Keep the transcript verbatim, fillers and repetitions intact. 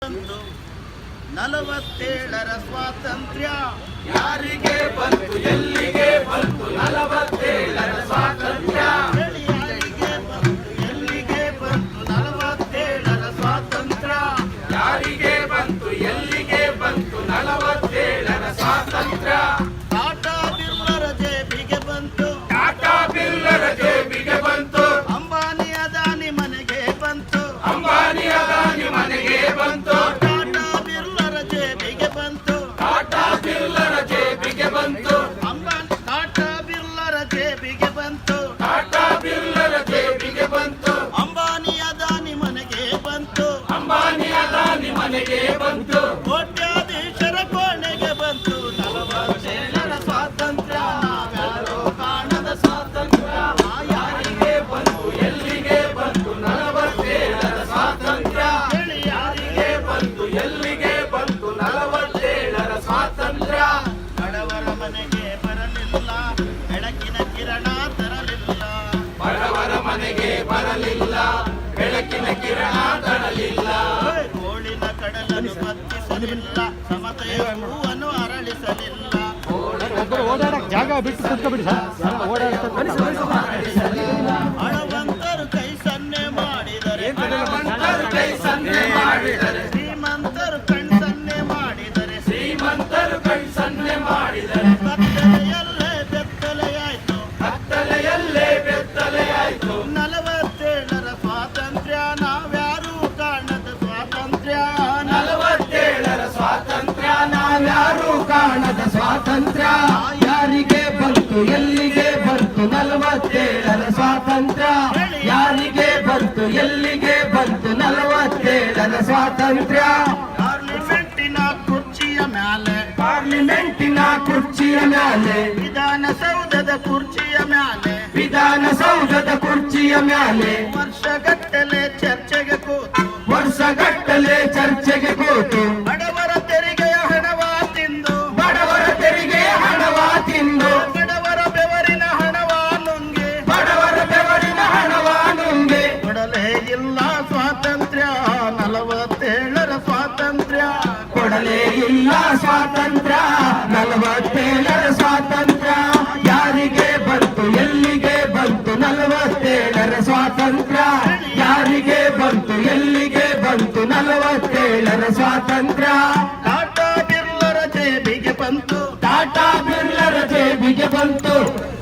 ನಲವತ್ತೇಳರ ಸ್ವಾತಂತ್ರ್ಯ ಯಾರಿಗೆ ಬಂತು ಎಲ್ಲಿಗೆ ಬಂತು ನಲವತ್ತೇಳರ ಸ್ವಾತಂತ್ರ್ಯ ಯಾರಿಗೆ ಬಂತು ಎಲ್ಲಿಗೆ ಬಂತು ನಲವತ್ತೇಳರ ಸ್ವಾತಂತ್ರ್ಯ ಯಾರಿಗೆ ಬಂತು ಎಲ್ಲಿಗೆ ಬಂತು ನಲವತ್ತೇಳರ ಸ್ವಾತಂತ್ರ್ಯ ಟಾಟಾ ಬಿರ್ಲರ ಜೇಬಿಗೆ ಬಂತು ಟಾಟಾ ಬಿರ್ಲರ ಜೇಬಿಗೆ ಬಂತು ಅಂಬಾನಿ ಅದಾನಿ ಮನೆಗೆ ಬಂತು ಅಂಬಾನಿ ಅದಾನಿ ಮನೆಗೆ ಬಂತು ಟಾಟಾ ಬಿರ್ಲರ ಜೇಬಿಗೆ ಬಂತು ಟಾಟಾ ಬಿರ್ಲರ ಜೇಬಿಗೆ ಬಂತು ಅಂಬಾನಿ ಟಾಟಾ ಬಿರ್ಲರ ಜೇಬಿಗೆ ಬಂತು ಟಾಟಾ ಬಿರ್ಲರ ಜೇಬಿಗೆ ಬಂತು ಅಂಬಾನಿ ಅದಾನಿ ಮನೆಗೆ ಬಂತು ಅಂಬಾನಿ ಅದಾನಿ ಮನೆಗೆ ಬಂತು ಕೋಟ್ಯಾಧೀಶರ ಕೋಣೆಗೆ ಬಂತು ನಲವತ್ತೇಳರ ಸ್ವಾತಂತ್ರ್ಯ ನಾವ್ಯಾರೋ ಕಾಣದ ಸ್ವಾತಂತ್ರ್ಯ ಯಾರಿಗೆ ಬಂತು ಎಲ್ಲಿಗೆ ಬಂತು ನಲವತ್ತೇಳರ ಸ್ವಾತಂತ್ರ್ಯ ಹೇಳಿ ಯಾರಿಗೆ ಬಂತು ಎಲ್ಲಿಗೆ ಬಂತು ನಲವತ್ತೇಳರ ಸ್ವಾತಂತ್ರ್ಯ ಬಡವರ ಮನೆಗೆ ಬರಲಿಲ್ಲ ಬೆಳಕಿನ ಕಿರಣ ತರಲಿಲ್ಲ ಬಡವರ ಮನೆಗೆ ಬರಲಿಲ್ಲ ಬೆಳಕಿನ ಕಿರಣ ತರಲಿಲ್ಲ ಗೋಳಿನ ಕಡಲನ್ನು ಬತ್ತಿಸಲಿಲ್ಲ ಸಮತೆಯ ಹೂವನ್ನು ಅರಳಿಸಲಿಲ್ಲ ಓಡಾಡಕ್ ಜಾಗ ಬಿಟ್ಟು ಕುತ್ಕೊಬಿಡಿ ಸರ್ ಹಣವಂತರು ಕೈ ಸನ್ನೆ ಮಾಡಿದರೆ ಶ್ರೀಮಂತರು ಕೈ ಸನ್ನೆ ಮಾಡಿದರೆ ಶ್ರೀಮಂತರು ಕಣ್ ಸನ್ನೆ ಮಾಡಿದರೆ ಶ್ರೀಮಂತರು ಕೈ ಸನ್ನೆ ಮಾಡಿದರೆ ಕತ್ತಲೆಯಲ್ಲೇ ಬೆತ್ತಲೆಯಾಯ್ತು ಕತ್ತಲೆಯಲ್ಲೇ ಬೆತ್ತಲೆಯಾಯ್ತು ನಲವತ್ತೇಳರ ಸ್ವಾತಂತ್ರ್ಯ ನಾವ್ಯಾರೂ ಕಾಣದ ಸ್ವಾತಂತ್ರ್ಯ ನಲವತ್ತೇಳರ ಸ್ವಾತಂತ್ರ್ಯ ನಾವ್ಯಾರೂ ಕಾಣದ ಸ್ವಾತಂತ್ರ್ಯ ಯಾರಿಗೆ ಬಂತು ಎಲ್ಲಿಗೆ ಬಂತು ನಲವತ್ತೇಳರ ಸ್ವಾತಂತ್ರ್ಯ ಯಾರಿಗೆ ಬಂತು ಎಲ್ಲಿಗೆ ಬಂತು ನಲವತ್ತೇಳರ ಸ್ವಾತಂತ್ರ್ಯ ಪಾರ್ಲಿಮೆಂಟಿನ ಕುರ್ಚಿಯ ಮ್ಯಾಲೆ ಪಾರ್ಲಿಮೆಂಟಿನ ಕುರ್ಚಿಯ ಮ್ಯಾಲೆ ವಿಧಾನಸೌಧದ ಕುರ್ಚಿಯ ಮ್ಯಾಲೆ ವಿಧಾನಸೌಧದ ಕುರ್ಚಿಯ ಮ್ಯಾಲೆ ವರ್ಷಗಟ್ಟಲೆ ಚರ್ಚೆಗೆ ಕೂತು ವರ್ಷಗಟ್ಟಲೆ ಚರ್ಚೆಗೆ ಕೂತು ಬಡವರ ತೆರಿಗೆಯ ಹಣವ ತಿಂದು ಬಡವರ ತೆರಿಗೆಯ ಹಣವ ತಿಂದು ಬಡವರ ಬೆವರಿನ ಹಣವ ನುಂಗಿ ಬಡವರ ಬೆವರಿನ ಹಣವ ನುಂಗಿ ಕೊಡಲೇ ಇಲ್ಲ ಸ್ವಾತಂತ್ರ್ಯ ನಲವತ್ತೇಳರ ಸ್ವಾತಂತ್ರ್ಯ ಕೊಡಲೇ ಇಲ್ಲ ಸ್ವಾತಂತ್ರ್ಯ ನಲವತ್ತೇಳರ ಸ್ವಾತಂತ್ರ್ಯ ಯಾರಿಗೆ ಬಂತು ಎಲ್ಲಿಗೆ ಬಂತು ನಲವತ್ತೇಳರ ಸ್ವಾತಂತ್ರ್ಯ ಯಾರಿಗೆ ಬಂತು ಎಲ್ಲಿಗೆ ಬಂತು ನಲವತ್ತೇಳರ ಸ್ವಾತಂತ್ರ್ಯ ಟಾಟಾ ಬಿರ್ಲರ ಜೇಬಿಗೆ ಬಂತು ಟಾಟಾ ಬಿರ್ಲರ ಜೇಬಿಗೆ ಬಂತು